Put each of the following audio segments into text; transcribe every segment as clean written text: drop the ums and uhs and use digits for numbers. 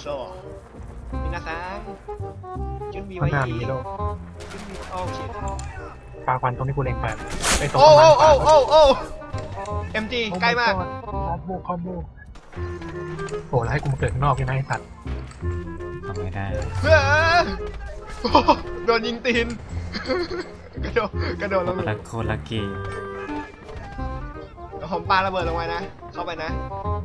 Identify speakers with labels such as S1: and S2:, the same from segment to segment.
S1: そう皆さん準備
S2: ข้างหน้า
S1: はいい
S2: มีโลก
S1: 準備โอ้ชิต
S2: ปลาควันตรงที่กูเล็งไปไอ้ตรง
S1: โอ้
S2: ประมาณ
S1: โอ้โอ้โอ้โอ้ MG ใกล้มาก
S2: คอมโบโอ้แล้วให้กูมาเกิดข้างนอกใช่ไหมไอ้สัตว์
S3: ทำไม่ได้
S1: เฮ้ยโอ้โดนยิงตีน กระโดดลง
S3: โคตรลักกี้
S1: ผมปาระเบิดลงไปนะ เข้าไปนะ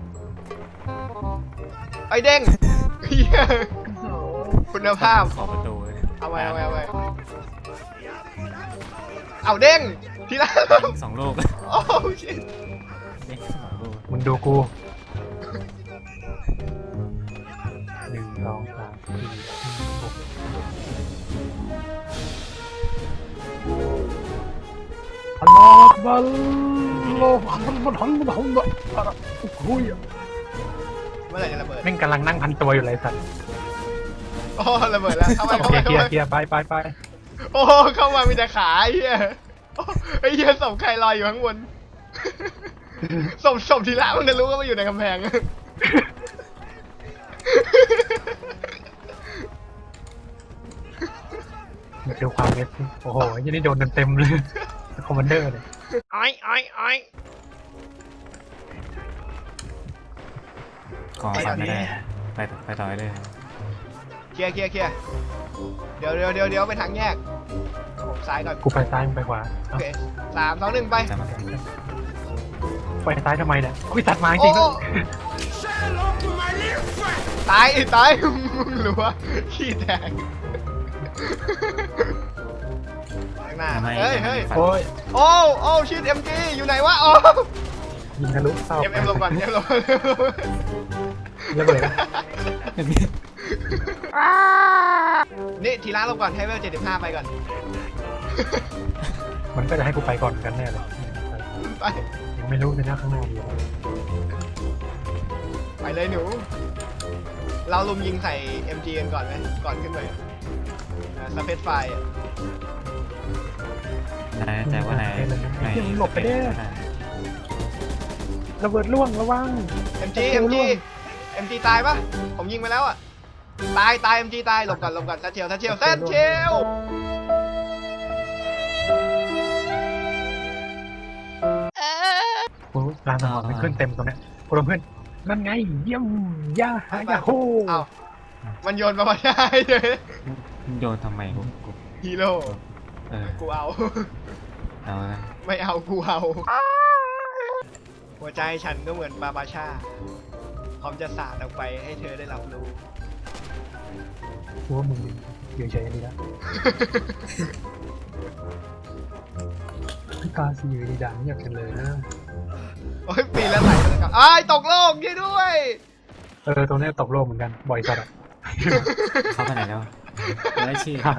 S1: ไอ้เด้งเหี้ยคุณภาพ
S3: ขอประตูเลย
S1: เอาไว้เอาเด้งทีละ
S3: สองลูก
S1: โอ้ชิต
S3: เด้งสองลูก
S2: มึงดูกู1 2 3 4 6อัลลอฮฺอักบัรอัลลอฮฺอักบัรฮัมดุฮัมดุโอ้ย
S1: เมื่อไหร่จะระเบิด
S2: แม่งกำลังนั่งพันตัวอยู่เลยสัตว์
S1: โอ้ระเบิดแล้วเข้ามา
S2: โอ
S1: เข้า
S2: เค
S1: มา
S2: เคลีย
S1: เข้า
S2: ร์
S1: มา
S2: เคลียร์ไป
S1: โอ้เข้ามามีแต่ขาไอ้เหี้ยโอ้ไอ้เหี้ยศพใครลอยอยู่ข้างบนศพทีละมันจะรู้ว่ามันอยู่ในกำแพง
S2: ดูความเล็กโอ้โหยังนี่โดนเต็มเลยคอมมานเดอร์เลย
S1: อ้อย
S3: ขอฟันไม่ได้ไปต่อเลย
S1: เคลียร์เดี๋ยวไปทางแยกผมซ้ายก่อน
S2: กูไปซ้ายมึงไปขวา
S1: โอเค3 2 1ไป
S3: จะมา
S2: ไปซ้ายทำไมเนี่ยอุ้ยตัดมาจริง
S1: โอ้ตายมึงรู้ว่าขี้แตกข้างหน้าเฮ้ย
S2: โอ้ย
S1: โอ้ชิด MG อยู่ไหนวะโอ้
S2: ยิงทะลุเศร้า
S1: เอ็มลงก่อนลง
S2: ระเบิดนะ
S1: นี่ทีละลงก่อนให้เวล75ไปก่อน
S2: มันก็จะให้กูไปก่อนกันแน่เลย
S1: ไป
S2: ยังไม่รู้เลยนะข้างหน้ามีอะไร
S1: ไปเลยหนู เราลุมยิงใส่ MG กันก่อนไหมก่อนขึ้นไปสเปซไฟ
S3: แต่ว่านาย
S2: หลบไปได้ระเบิดล่วงระวัง
S1: MG ตายปะผมยิงไปแล้วอ่ะตาย MG ตายหลบก่อนทัชเชล
S2: โอ้ร้านอาหารมันขึ้นเต็มตรงนี้พวกเพื่อนนั่นไงเยี่ยมย่าหายาโฮ
S1: เอ้ามันโยนมาไม่ได้เลย
S3: โยนทำไมกู
S1: ฮีโร่ กูเอา
S3: เอาละ
S1: ไม่เอากูเอาหัวใจฉันก็เหมือนบาบาชาพร้อมจะสาดออกไปให้เธอได้รับรู้
S2: กูว่ามึงอยู่เฉยดีแล้วพี่กาสีอยู่ดีดังอยากกันเลยนะ
S1: โอ้ยปีแล้วไหลแล้วครับอ้ายตกโลกยี่ด้วย
S2: ตรงนี้ตกโลกเหมือนกันบ่อยจัดอ่ะ
S3: เขาไปไหนแล้วไม่ชี้
S2: หาย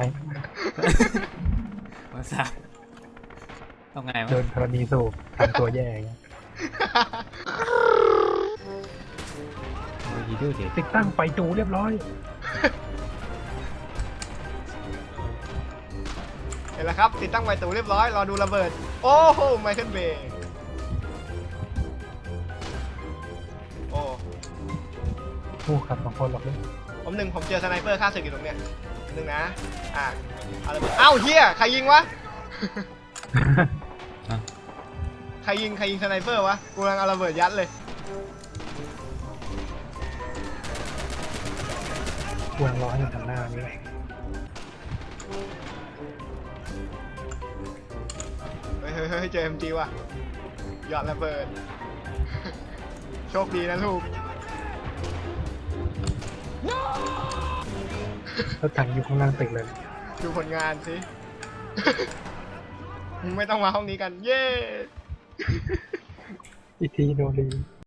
S3: ว่าสาต้องไงวะ
S2: เดินธรณีสูบทำตัวแย่อย่างเงี้ย
S3: ยีดูดิ
S2: ติดตั้งไฟจูเรียบร้อย
S1: เห็นแล้วครับติดตั้งไฟตูเรียบร้อยรอดูระเบิดโอ้โหไมเคิลเบย์โอ้
S2: ผู้ขับสองคนหรอกเลย
S1: ผมเจอสไนเปอร์ฆ่าศึกอยู่ตรงเนี้ยนะเอาระเบิดอ้าวเฮียใครยิงวะ ใครยิงสไนเปอร์วะกูกำลังเอาระเบิดยัดเลย
S2: ควรรอให้มันทำหน้านี้
S1: เฮ้ยเจอ MG ว่ะหยอดระเบิด โชคดีนะลูก
S2: แล้วถังอยู่ข้างล่างตึกเลย
S1: ดูผลงานสิ ไม่ต้องมาห้องนี้กัน เย้
S2: อีกทีโดนรี